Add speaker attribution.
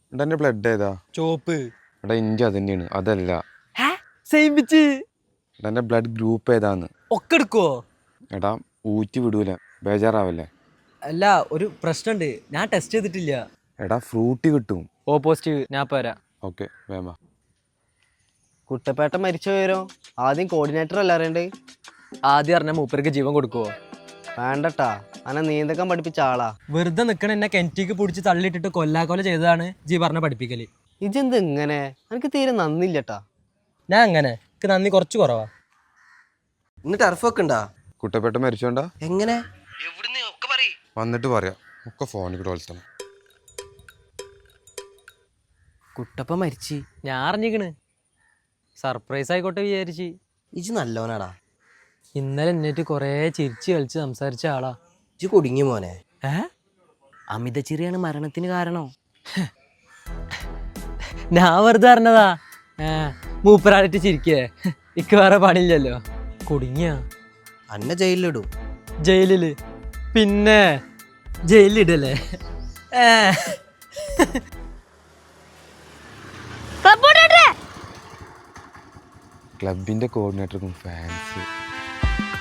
Speaker 1: എടാ എൻ്റെ ബ്ലഡ് ഏതാ?
Speaker 2: ചോപ്പ്.
Speaker 1: എടാ ഇഞ്ചി അത് തന്നെയാണ്, അതല്ല.
Speaker 2: Same pitch.
Speaker 1: എടാ എൻ്റെ ബ്ലഡ് ഗ്രൂപ്പ് ഏതാന്ന്?
Speaker 2: ഒക്കെ എടുക്കുവോ?
Speaker 1: എടാ ഊറ്റി വിടൂല, ബേജാറാവല്ലേ.
Speaker 2: അല്ല, ഒരു പ്രശ്നമുണ്ട്, ഞാൻ ടെസ്റ്റ് ചെയ്തിട്ടില്ല.
Speaker 1: എടാ ഫ്രൂട്ടി കിട്ടും.
Speaker 2: ഓ പോസിറ്റീവ്, ഞാൻ പോരാ.
Speaker 1: ഓക്കെ വേമ.
Speaker 3: കുട്ടപ്പേട്ട മരിച്ച വിവരം ആദ്യം കോർഡിനേറ്റർ അല്ല അറിയണ്ടേ?
Speaker 2: ആദ്യം അറിഞ്ഞ മൂപ്പർക്ക് ജീവൻ കൊടുക്കുവോ?
Speaker 3: വേണ്ടട്ടാ, അനെ നീന്തക്കാൻ പഠിപ്പിച്ച ആളാ.
Speaker 2: വെറുതെ നിക്കണ എന്നെ കെൻറ്റിക്ക് പിടിച്ച് തള്ളിയിട്ടിട്ട് കൊല്ലാക്കൊല ചെയ്തതാണ് ജി പറഞ്ഞ പഠിപ്പിക്കല്.
Speaker 3: ഇജെന്ത് ഇങ്ങനെ? എനിക്ക് തീരെ നന്ദില്ലട്ടാ.
Speaker 2: ഞാൻ അങ്ങനെ എനിക്ക് നന്ദി കുറച്ച് കുറവാ.
Speaker 3: ഇന്ന് ടർഫൊക്കെ ഉണ്ടാ?
Speaker 1: കുട്ടപ്പേട്ട മരിച്ചോണ്ടാ?
Speaker 3: എങ്ങനെ?
Speaker 1: വന്നിട്ട് പറയാം, ഒക്കെ ഫോണിൽ കൂടെ വിളിച്ചണം.
Speaker 3: കുട്ടപ്പ മരിച്ച്.
Speaker 2: ഞാൻ അറിഞ്ഞിക്കണ്, സർപ്രൈസ് ആയിക്കോട്ടെ വിചാരിച്ച്.
Speaker 3: ഇജ് നല്ലോനാടാ.
Speaker 2: ഇന്നലെ എന്നിട്ട് കുറേ ചിരിച്ച് കളിച്ച് സംസാരിച്ച ആളാ.
Speaker 3: ഇജ് കുടുങ്ങി മോനെ.
Speaker 2: ഏ
Speaker 3: അമിത ചിരിയാണ് മരണത്തിന് കാരണം.
Speaker 2: ഞാൻ വെറുതെ അറിഞ്ഞതാ. മൂപ്പരാടിട്ട് ചിരിക്കേ, ഇക്ക് വേറെ പണിയില്ലല്ലോ. കുടുങ്ങിയ
Speaker 3: അന്നെ ജയിലിലിടും.
Speaker 2: ജയിലില്? പിന്നെ ജയിലിടല്ലേ?
Speaker 1: ക്ലബിൻ്റെ കോർഡിനേറ്റർക്കും ഫാൻസ്.